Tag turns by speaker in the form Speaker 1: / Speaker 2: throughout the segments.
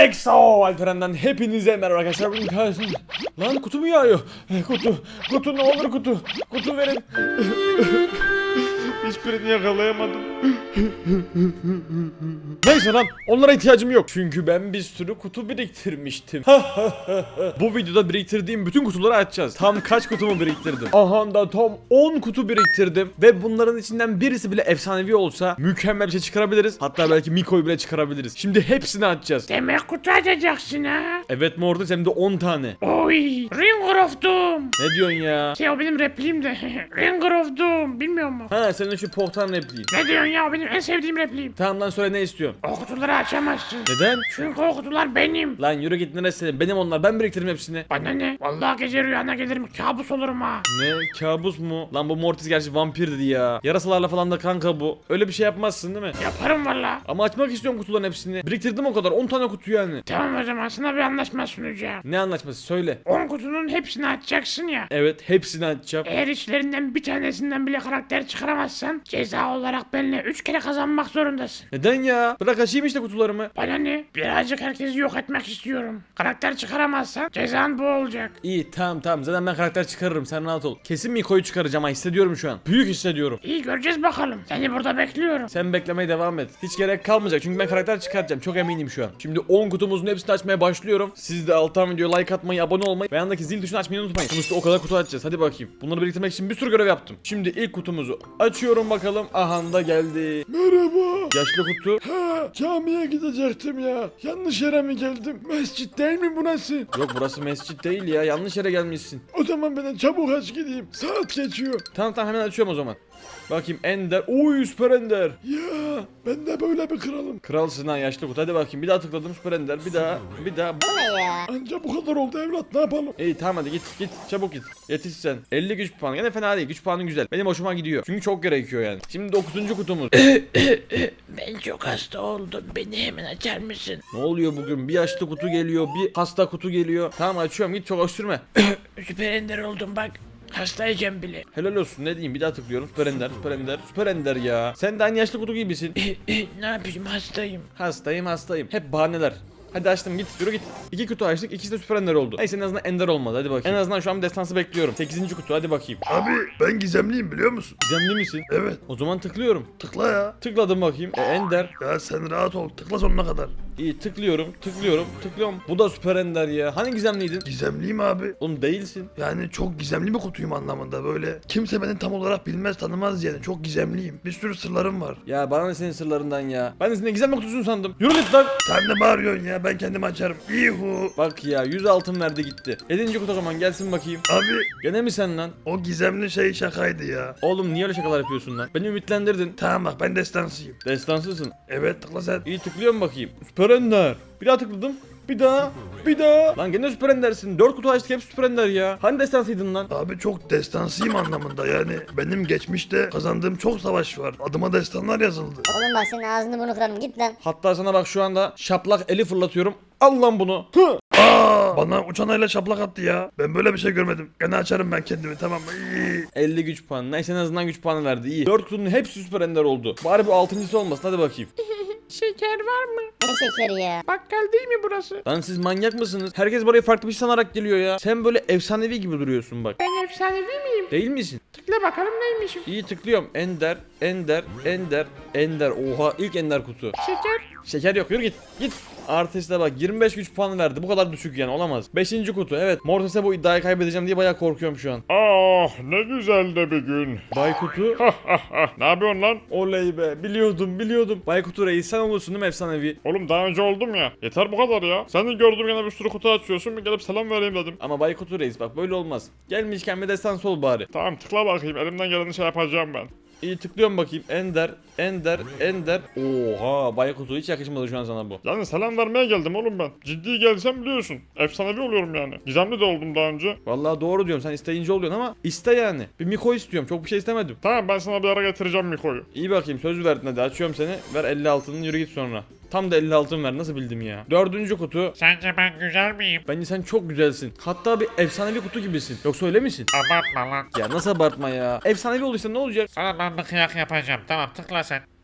Speaker 1: EXO Alperen'den hepinize merhaba arkadaşlar. Bugün karşınızda... Lan kutu mu yağıyor? Kutu ne olur kutu. Kutu verin. Hiçbirini yakalayamadım. Neyse lan, onlara ihtiyacım yok. Çünkü ben bir sürü kutu biriktirmiştim. Bu videoda biriktirdiğim bütün kutuları açacağız. Tam kaç kutumu biriktirdim? Aha da tam 10 kutu biriktirdim. Ve bunların içinden birisi bile efsanevi olsa mükemmel bir şey çıkarabiliriz. Hatta belki Miko'yu bile çıkarabiliriz. Şimdi hepsini açacağız.
Speaker 2: Demek kutu açacaksın ha?
Speaker 1: Evet Mortis, hem de 10 tane.
Speaker 2: Oy, Ringer of Doom.
Speaker 1: Ne diyorsun ya?
Speaker 2: O benim repliğim de. Ringer of Doom, bilmiyor musun?
Speaker 1: Ha, senin şu pohtan repliğin.
Speaker 2: Ne diyorsun ya, o benim en sevdiğim repliğim.
Speaker 1: Tamam lan, söyle ne istiyorsun?
Speaker 2: O kutuları açamazsın.
Speaker 1: Neden?
Speaker 2: Çünkü o kutular benim.
Speaker 1: Lan yürü git, neresi senin? Benim onlar, ben biriktirdim hepsini.
Speaker 2: Bana ne? Vallahi gece rüyana gelirim, kabus olurum ha.
Speaker 1: Ne? Kabus mu? Lan bu Mortis gerçi vampir dedi ya. Yarasalarla falan da kanka bu. Öyle bir şey yapmazsın değil mi?
Speaker 2: Yaparım valla.
Speaker 1: Ama açmak istiyorum kutuların hepsini. Biriktirdim o kadar, 10 tane kutu yani.
Speaker 2: Tamam, o zaman sana bir anlaşma sunacağım.
Speaker 1: Ne anlaşması, söyle.
Speaker 2: 10 kutunun hepsini açacaksın ya.
Speaker 1: Evet, hepsini açacağım.
Speaker 2: Eğer içlerinden bir tanesinden bile karakter çıkaramazsan ceza olarak benimle 3 kere kazanmak zorundasın.
Speaker 1: Neden ya? Bırak açayım işte kutularımı.
Speaker 2: Bana ne? Birazcık herkesi yok etmek istiyorum. Karakter çıkaramazsan cezan bu olacak.
Speaker 1: İyi, tamam, zaten ben karakter çıkarırım, sen rahat ol. Kesin Miko'yu çıkaracağım ha, hissediyorum şu an. Büyük hissediyorum.
Speaker 2: İyi, göreceğiz bakalım. Seni burada bekliyorum.
Speaker 1: Sen beklemeye devam et. Hiç gerek kalmayacak çünkü ben karakter çıkartacağım, çok eminim şu an. Şimdi 10 kutumuzun hepsini açmaya başlıyorum. Siz de alttan videoya like atmayı, abone olmayı ve yanındaki zil tuşunu açmayı unutmayın. Sonuçta o kadar kutu açacağız, hadi bakayım. Bunları biriktirmek için bir sürü görev yaptım. Şimdi ilk kutumuzu açıyorum bakalım. Aha da geldi.
Speaker 3: Merhaba.
Speaker 1: Yaşlı kutu.
Speaker 3: Ha, camiye gidecektim ya. Yanlış yere mi geldim? Mescit değil mi burası?
Speaker 1: Yok, burası mescit değil ya, yanlış yere gelmişsin.
Speaker 3: O zaman ben çabuk aç gideyim. Saat geçiyor.
Speaker 1: Tamam hemen açıyorum o zaman. Bakayım, Ender. Oy, süper Ender.
Speaker 3: Ya ben de böyle bir kralım.
Speaker 1: Kralsın ha yaşlı kutu, hadi bakayım. Bir daha tıkladım, süper Ender. Bir daha.
Speaker 3: Anca bu kadar oldu evlat, ne yapalım?
Speaker 1: İyi tamam, hadi git çabuk git. Yetiş sen. 50 güç puanı, gene fena değil, güç puanı güzel. Benim hoşuma gidiyor. Çünkü çok gerekiyor yani. Şimdi 9. kutumuz.
Speaker 2: Ben çok hasta oldum. Beni hemen açar mısın?
Speaker 1: Ne oluyor bugün? Bir yaşlı kutu geliyor, bir hasta kutu geliyor. Tamam açıyorum, git çok öksürme.
Speaker 2: Süper ender oldum bak. Hastayacağım bile.
Speaker 1: Helal olsun, ne diyeyim, bir daha tıklıyorum. Süper Ender ya. Sen de aynı yaşlı kutu gibisin.
Speaker 2: Ne yapayım, hastayım.
Speaker 1: Hastayım. Hep bahaneler. Hadi açtım, git yürü git. 2 kutu açtık, ikisi de süper ender oldu. Neyse, en azından ender olmadı, hadi bakayım. En azından şu an destansı bekliyorum. 8. kutu, hadi bakayım.
Speaker 3: Abi ben gizemliyim biliyor musun?
Speaker 1: Gizemli misin?
Speaker 3: Evet.
Speaker 1: O zaman tıklıyorum.
Speaker 3: Tıkla ya.
Speaker 1: Tıkladım bakayım. Ender.
Speaker 3: Ya sen rahat ol. Tıkla sonuna kadar.
Speaker 1: İyi, tıklıyorum. Bu da süper ender ya. Hani gizemliydin?
Speaker 3: Gizemliyim abi.
Speaker 1: Oğlum değilsin.
Speaker 3: Yani çok gizemli bir kutuyum anlamında böyle. Kimse beni tam olarak bilmez, tanımaz yani. Çok gizemliyim. Bir sürü sırlarım var.
Speaker 1: Ya bana ne senin sırlarından ya. Ben de senin gizemli kutusun sandım. Yürü git lan.
Speaker 3: Sen de bağırıyorsun ya, ben kendim açarım. İhu.
Speaker 1: Bak ya, 100 altın verdi gitti. 7. kutu o zaman gelsin bakayım.
Speaker 3: Abi
Speaker 1: Gene mi sen lan?
Speaker 3: o gizemli şey şakaydı ya.
Speaker 1: Oğlum niye öyle şakalar yapıyorsun lan? Beni ümitlendirdin.
Speaker 3: Tamam bak, ben destansıyım.
Speaker 1: Destansızsın.
Speaker 3: Evet, tıkla sen.
Speaker 1: İyi, tıklıyorum bakayım. Süper ender. Bir daha tıkladım. Bir daha. Lan gene süper endersin. 4 kutu açtık, hep süper ender ya. Hani destansıydın lan?
Speaker 3: Abi çok destansıyım anlamında, yani benim geçmişte kazandığım çok savaş var. Adıma destanlar yazıldı.
Speaker 4: Oğlum bak senin ağzını bunu kırarım, git lan.
Speaker 1: Hatta sana bak şu anda şaplak eli fırlatıyorum. Al lan bunu. Hı.
Speaker 3: Bana uçan ayla şaplak attı ya. Ben böyle bir şey görmedim. Gene açarım ben kendimi, tamam mı?
Speaker 1: 50 güç puanı. Neyse, en azından güç puanı verdi. İyi. 4 kutunun hepsi süper ender oldu. Bari bu 6.'sı olmasın, hadi bakayım.
Speaker 2: Şeker var mı?
Speaker 4: Ne şekeri ya.
Speaker 2: Bakkal değil mi burası?
Speaker 1: Lan siz manyak mısınız? Herkes buraya farklı bir şey sanarak geliyor ya. Sen böyle efsanevi gibi duruyorsun bak.
Speaker 2: Ben efsanevi miyim?
Speaker 1: Değil misin?
Speaker 2: Tıkla bakalım neymişim.
Speaker 1: İyi, tıklıyorum. Ender. Oha, ilk ender kutu.
Speaker 2: Şeker.
Speaker 1: Şeker yok, yürü git. Artiste bak, 25 güç puanı verdi. Bu kadar düşük yani, olamaz. 5. kutu, evet. Mortis'e bu iddiayı kaybedeceğim diye bayağı korkuyorum şu an.
Speaker 5: Ah, ne güzel de bir gün.
Speaker 1: Bay Kutu.
Speaker 5: Ne yapıyorsun lan?
Speaker 1: Oley be, biliyordum. Bay Kutu reis, sen olursun değil mi efsanevi?
Speaker 5: Oğlum daha önce oldum ya. Yeter bu kadar ya. Seni gördüm yine bir sürü kutu açıyorsun. Bir gelip selam vereyim dedim.
Speaker 1: Ama Bay Kutu reis bak, böyle olmaz. Gelmişken bir destansı ol bari.
Speaker 5: Tamam, tıkla bakayım. Elimden geleni şey yapacağım ben.
Speaker 1: İyi, tıklıyorum bakayım. Ender. Oha, Bay Kutu hiç yakışmadı şu an sana bu.
Speaker 5: Yani selam vermeye geldim oğlum ben. Ciddi gelsem biliyorsun. Efsanevi oluyorum yani. Gizemli de oldum daha önce.
Speaker 1: Vallahi doğru diyorum, sen isteyince oluyorsun ama iste yani. Bir Miko istiyorum, çok bir şey istemedim.
Speaker 5: Tamam, ben sana bir ara getireceğim Miko'yu.
Speaker 1: İyi bakayım, söz verdin, hadi açıyorum seni. Ver 50 altını, yürü git sonra. Tam da 50 altın ver, nasıl bildim ya. 4. kutu.
Speaker 2: Sence ben güzel miyim?
Speaker 1: Bence sen çok güzelsin. Hatta bir efsanevi kutu gibisin. Yoksa öyle misin?
Speaker 2: Abartma lan.
Speaker 1: Ya nasıl abartma ya. Efsanevi olduysa ne olacak?
Speaker 2: Sana ben bir kıyak yapacağım. Tamam, tıkla sen.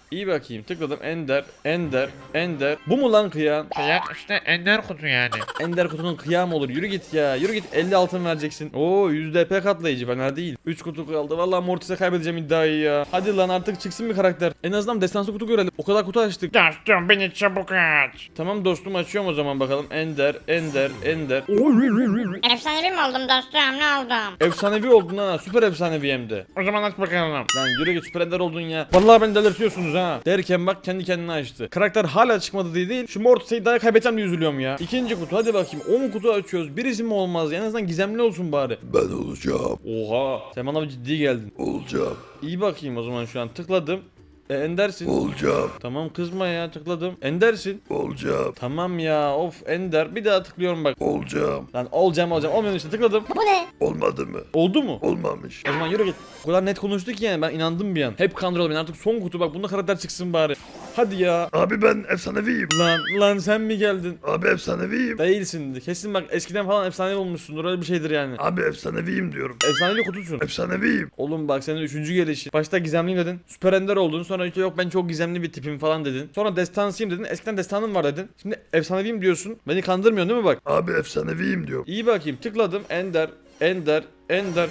Speaker 1: İyi bakayım tıkladım Ender, Ender, Ender. Bu mu lan kıyan?
Speaker 2: Ya işte ender kutu yani.
Speaker 1: Ender kutunun kıyamı olur. Yürü git ya. Yürü git 50 altın vereceksin. Oo 100 DP katlayıcı fena değil. 3 kutu kaldı. Vallahi Mortis'e kaybedeceğim iddiayı ya. Hadi lan artık çıksın bir karakter. En azından destansı kutu görelim. O kadar kutu açtık.
Speaker 2: Dostum beni çabuk aç.
Speaker 1: Tamam dostum açıyorum o zaman bakalım. Ender, Ender, Ender.
Speaker 4: Efsanevi mi oldum dostum ne oldum?
Speaker 1: Efsanevi oldun ha. Süper efsanevi hem de.
Speaker 2: O zaman aç bakalım.
Speaker 1: Lan yürü git süper ender oldun ya. Vallahi beni delirtiyorsunuz ha. Derken bak kendi kendine açtı. Karakter hala çıkmadı diye değil. Şu Mortis'i daha kaybedeceğim diye üzülüyorum ya. İkinci kutu hadi bakayım. 10 kutu açıyoruz. Birisi mi olmaz? En azından gizemli olsun bari.
Speaker 3: Ben olacağım.
Speaker 1: Oha. Sen bana bir ciddi geldin.
Speaker 3: Olacağım.
Speaker 1: İyi bakayım o zaman şu an tıkladım. Endersin.
Speaker 3: Olacağım.
Speaker 1: Tamam kızma ya tıkladım. Endersin.
Speaker 3: Olacağım.
Speaker 1: Tamam ya of Ender. Bir daha tıklıyorum bak.
Speaker 3: Olacağım.
Speaker 1: Lan olacağım olmuyor işte tıkladım.
Speaker 4: Bu ne?
Speaker 3: Olmadı mı?
Speaker 1: Oldu mu?
Speaker 3: Olmamış.
Speaker 1: O zaman yürü git. O kadar net konuştuk ki yani ben inandım bir an. Hep kandırıldı beni artık son kutu bak bunda karakter çıksın bari. Hadi ya.
Speaker 3: Abi ben efsaneviyim.
Speaker 1: Lan sen mi geldin?
Speaker 3: Abi efsaneviyim.
Speaker 1: Değilsin. Kesin bak eskiden falan efsane olmuşsundur öyle bir şeydir yani.
Speaker 3: Abi efsaneviyim diyorum.
Speaker 1: Efsaneli kutusun.
Speaker 3: Efsaneviyim.
Speaker 1: Oğlum bak senin 3. gelişi. Başta gizemliyim dedin. Süper ender oldun. Sonra işte yok ben çok gizemli bir tipim falan dedin. Sonra destansıyım dedin. Eskiden destanım var dedin. Şimdi efsaneviyim diyorsun. Beni kandırmıyorsun değil mi bak?
Speaker 3: Abi efsaneviyim diyorum.
Speaker 1: İyi bakayım tıkladım. Ender. Ender. Ender.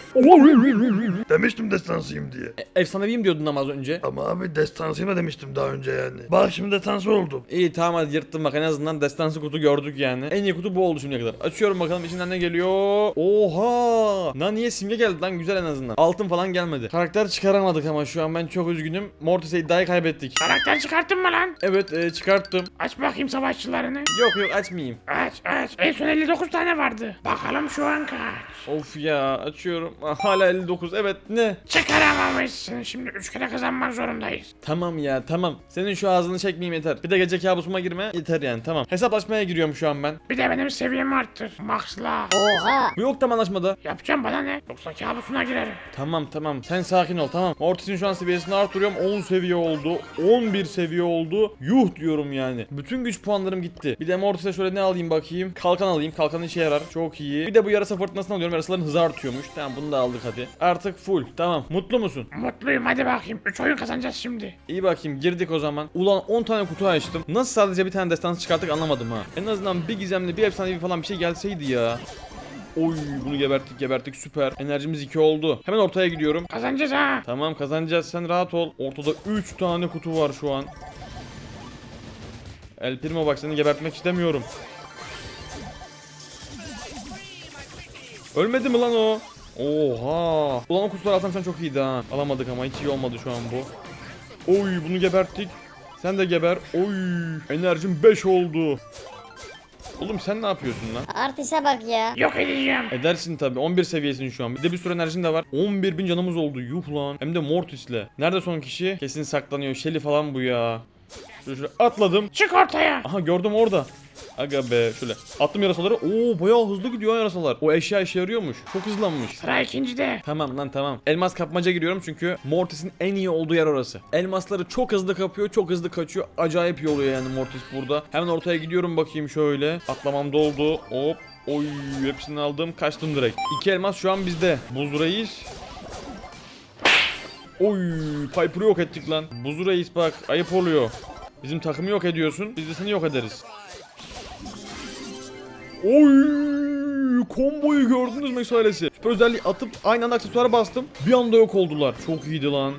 Speaker 3: Demiştim destansıyım diye.
Speaker 1: Efsaneviyim diyordun ama az önce.
Speaker 3: Ama abi destansıyım da demiştim daha önce yani. Bak şimdi destansı oldum.
Speaker 1: İyi tamam hadi yırttım bak en azından destansı kutu gördük yani. En iyi kutu bu oldu şimdiye kadar. Açıyorum bakalım içinden ne geliyor. Oha! Lan niye simge geldi lan güzel en azından. Altın falan gelmedi. Karakter çıkaramadık ama şu an ben çok üzgünüm. Mortis'e iddiayı kaybettik.
Speaker 2: Karakter çıkarttın mı lan?
Speaker 1: Evet çıkarttım.
Speaker 2: Aç bakayım savaşçılarını.
Speaker 1: Yok açmayayım.
Speaker 2: Aç. En son 59 tane vardı. Bakalım şu an kaç.
Speaker 1: Of ya açıyorum. Hala 59 evet ne?
Speaker 2: Çıkaramamışsın. Şimdi 3 kere kazanmak zorundayız.
Speaker 1: Tamam ya tamam. Senin şu ağzını çekmeyeyim yeter. Bir de gece kabusuma girme yeter yani tamam. Hesaplaşmaya giriyorum şu an ben.
Speaker 2: Bir de benim seviyemi arttır. Max'la.
Speaker 4: Oha.
Speaker 1: Bu yok tam anlaşmada.
Speaker 2: Yapacağım bana ne? Yoksa kabusuna girerim.
Speaker 1: Tamam sen sakin ol tamam. Mortis'in şu an seviyesini artırıyorum 10 seviye oldu 11 seviye oldu. Yuh diyorum yani. Bütün güç puanlarım gitti. Bir de Mortis'e şöyle ne alayım bakayım. Kalkan alayım kalkan işe yarar çok iyi. Bir de bu yarasa fırtınasını alıyorum yarasaların hızı artıyormuş. Tamam bunu da aldık hadi. Artık full tamam mutlu musun?
Speaker 2: Mutluyum hadi bakayım. 3 oyun kazanacağız şimdi.
Speaker 1: İyi bakayım girdik o zaman. Ulan 10 tane kutu açtım. Nasıl sadece bir tane destansı çıkarttık anlamadım ha. En azından bir gizemli bir efsanevi falan bir şey gelseydi ya. Oy bunu geberttik süper. Enerjimiz 2 oldu. Hemen ortaya gidiyorum.
Speaker 2: Kazanacağız ha.
Speaker 1: Tamam kazanacağız sen rahat ol. Ortada 3 tane kutu var şu an. El Primo bak seni gebertmek istemiyorum. Ölmedi mi lan o? Oha. Ulan o kutuları alsam sen çok iyiydi ha. Alamadık ama hiç iyi olmadı şu an bu. Oy bunu geberttik. Sen de geber. Oy enerjim 5 oldu. Oğlum sen ne yapıyorsun lan?
Speaker 4: Artiste bak ya.
Speaker 2: Yok edeceğim.
Speaker 1: Edersin tabi 11 seviyesin şu an. Bir de bir sürü enerjin de var. 11.000 canımız oldu. Yuh lan. Hem de Mortis'le. Nerede son kişi? Kesin saklanıyor. Shelly falan bu ya. Şöyle atladım.
Speaker 2: Çık ortaya.
Speaker 1: Aha gördüm orada. Aga be şöyle. Attım yarasaları. Oo bayağı hızlı gidiyor ha yarasalar. O eşya işe yarıyormuş. Çok hızlanmış.
Speaker 2: Sıra ikincide.
Speaker 1: Tamam lan tamam. Elmas kapmaca giriyorum çünkü Mortis'in en iyi olduğu yer orası. Elmasları çok hızlı kapıyor, çok hızlı kaçıyor. Acayip iyi oluyor yani Mortis burada. Hemen ortaya gidiyorum bakayım şöyle. Atlamam doldu. Hop. Oy hepsini aldım. Kaçtım direkt. 2 elmas şu an bizde. Buz Reis. Oy Piper'ı yok ettik lan. Buz Reis bak ayıp oluyor. Bizim takımı yok ediyorsun. Biz de seni yok ederiz. Oy komboyu gördünüz mü mesalesi? Süper özelliği atıp aynı anda aksesuara bastım. Bir anda yok oldular. Çok iyiydi lan.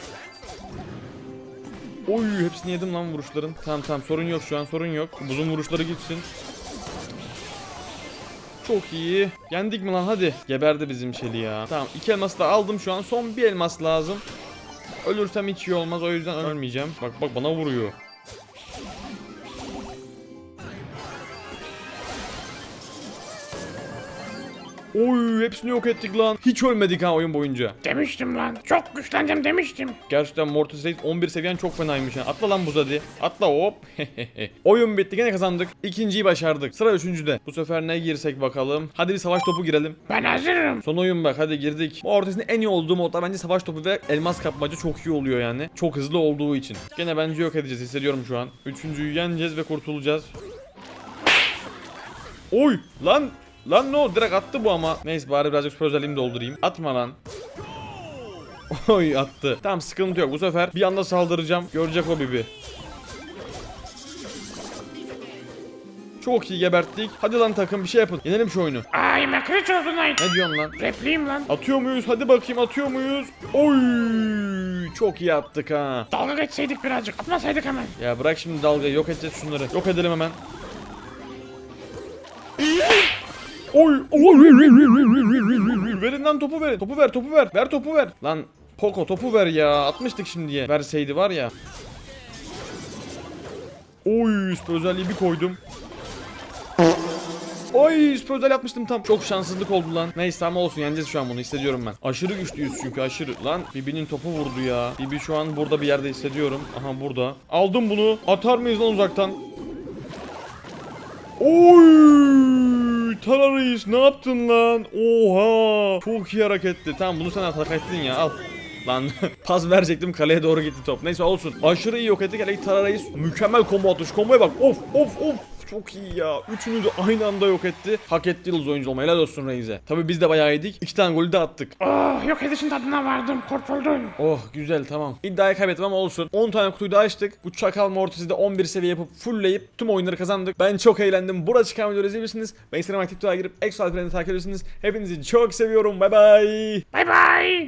Speaker 1: Oy hepsini yedim lan vuruşların. Tamam sorun yok şu an sorun yok. Buzun vuruşları gitsin. Çok iyi. Yendik mi lan hadi. Geberdi bizim Shelly ya. Tamam 2 elması da aldım şu an. Son bir elmas lazım. Ölürsem hiç iyi olmaz o yüzden ölmeyeceğim. Bak bana vuruyor. Oy hepsini yok ettik lan. Hiç ölmedik ha oyun boyunca.
Speaker 2: Demiştim lan. Çok güçleneceğim demiştim.
Speaker 1: Gerçekten Mortis Reis 11 seviyen çok fenaymış ha. Atla lan buz hadi. Atla hop. Oyun bitti gene kazandık. İkinciyi başardık. Sıra üçüncüde. Bu sefer ne girsek bakalım. Hadi bir savaş topu girelim.
Speaker 2: Ben hazırım.
Speaker 1: Son oyun bak hadi girdik. Mortis'in en iyi olduğu modlar bence savaş topu ve elmas kapmaca çok iyi oluyor yani. Çok hızlı olduğu için. Gene bence yok edeceğiz hissediyorum şu an. Üçüncüyü yeneceğiz ve kurtulacağız. Oy lan. Lan ne oldu direkt attı bu ama. Neyse bari birazcık süper özelliğimi doldurayım. Atma lan. Oy attı. Tamam sıkıntı yok. Bu sefer bir anda saldıracağım. Görecek o Bibi. Çok iyi geberttik. Hadi lan takım bir şey yapın. Yenelim şu oyunu.
Speaker 2: I'm a creature of the night.
Speaker 1: Ne diyorsun lan?
Speaker 2: Repliyim lan.
Speaker 1: Atıyor muyuz? Hadi bakayım atıyor muyuz? Oy! Çok iyi attık ha.
Speaker 2: Dalga geçseydik birazcık. Atmasaydık hemen.
Speaker 1: Ya bırak şimdi dalgayı. Yok edeceğiz şunları. Yok edelim hemen. Oy! Oy! Verin lan topu verin. Topu ver, topu ver. Ver topu ver. Lan Poco topu ver ya. Atmıştık şimdiye. Verseydi var ya. Oy! Süper özelliği bir koydum. Oy süper özel yapmıştım tam. Çok şanssızlık oldu lan. Neyse ama olsun yeneceğiz şu an bunu hissediyorum ben. Aşırı güçlüyüz çünkü aşırı. Lan Bibi'nin topu vurdu ya. Bibi şu an burada bir yerde hissediyorum. Aha burada. Aldım bunu. Atar mıyız lan uzaktan? Oy! Tara Reis ne yaptın lan? Oha! Çok iyi hareketti. Tamam bunu sen hak ettin ya al. Lan pas verecektim kaleye doğru gitti top. Neyse olsun. Aşırı iyi yok ettik. Hele Tara Reis mükemmel combo atış. Komboya bak. Of of of. Çok iyi ya. Üçünü de aynı anda yok etti. Hak etti yıldız oyuncu olmayı. Helal olsun Reis'e. Tabi biz de bayağı yedik. 2 tane golü de attık.
Speaker 2: Oh, yok edişin tadına vardım. Kurtuldum.
Speaker 1: Oh güzel tamam. İddiayı kaybettim ama olsun. 10 tane kutuyu da açtık. Bu çakal Mortis'i de 11 seviye yapıp fullleyip tüm oyunları kazandık. Ben çok eğlendim. Burada çıkan videoları izleyebilirsiniz. Ve Instagram aktif girip Exo Alperen'i takip edebilirsiniz. Hepinizi çok seviyorum. Bay bay.
Speaker 2: Bye bye.